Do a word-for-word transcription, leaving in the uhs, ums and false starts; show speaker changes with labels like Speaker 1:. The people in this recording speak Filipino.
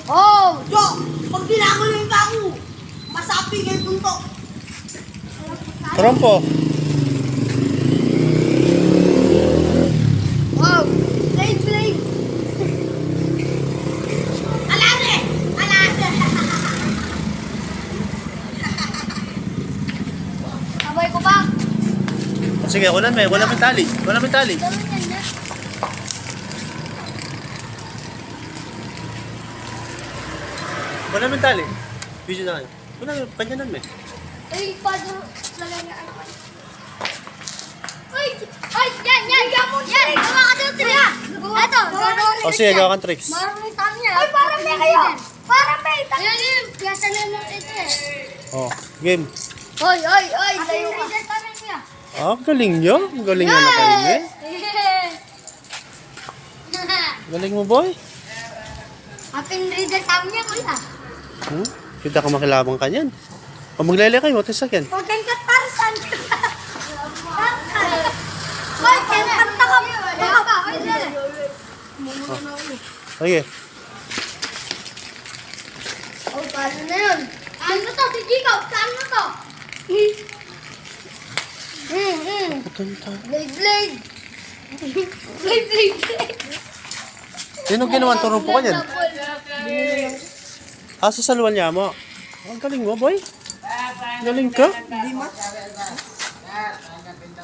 Speaker 1: Oh!
Speaker 2: Yo! Pag pinakuloy ka ako, masapi kayo punto.
Speaker 3: Trompo.
Speaker 1: Wow! Blade, blade!
Speaker 2: Alate! Alate!
Speaker 1: Sabay ko pa.
Speaker 3: Sige, kunan may. Wala may tali. Wala may tali.
Speaker 1: Ganun yan na.
Speaker 3: Wala may tali. Video na kayo. Wala, kanyanan may.
Speaker 1: Ay, paano lagay na ano? Ay! Ay! Yan! Yan! Yan! Gawa ka dito sila! Eto!
Speaker 3: O sige, gawa kang tricks.
Speaker 1: Marami tayo niya. Ay, parang may kayo! Parang may! Yan yun! Piyasa na lang ito eh.
Speaker 3: Oh, game.
Speaker 1: Oy! Oy! Oy! Layo ka!
Speaker 3: Ah, galing nyo. Galing nyo na kayo eh. Galing mo, boy.
Speaker 1: Apin reader kami niya, kuya.
Speaker 3: Hmm? Kita ka makilabang ka niyan. O maglele kayo, tisak yan.
Speaker 1: Huwag kang katarsan. Hoy, kaya kanta ka. Baka ka. Hoy, dali.
Speaker 3: Sige.
Speaker 1: Oh, paano na yun? Ano to? Si Gikaw, saan mo to? Hmm, hmm. Blade, blade. Blade, blade, blade.
Speaker 3: Sino ginawa ang turong po ka niyan? Ah, sa salwan niya mo. Ang galing mo, boy. Galing ka.
Speaker 2: Di mas.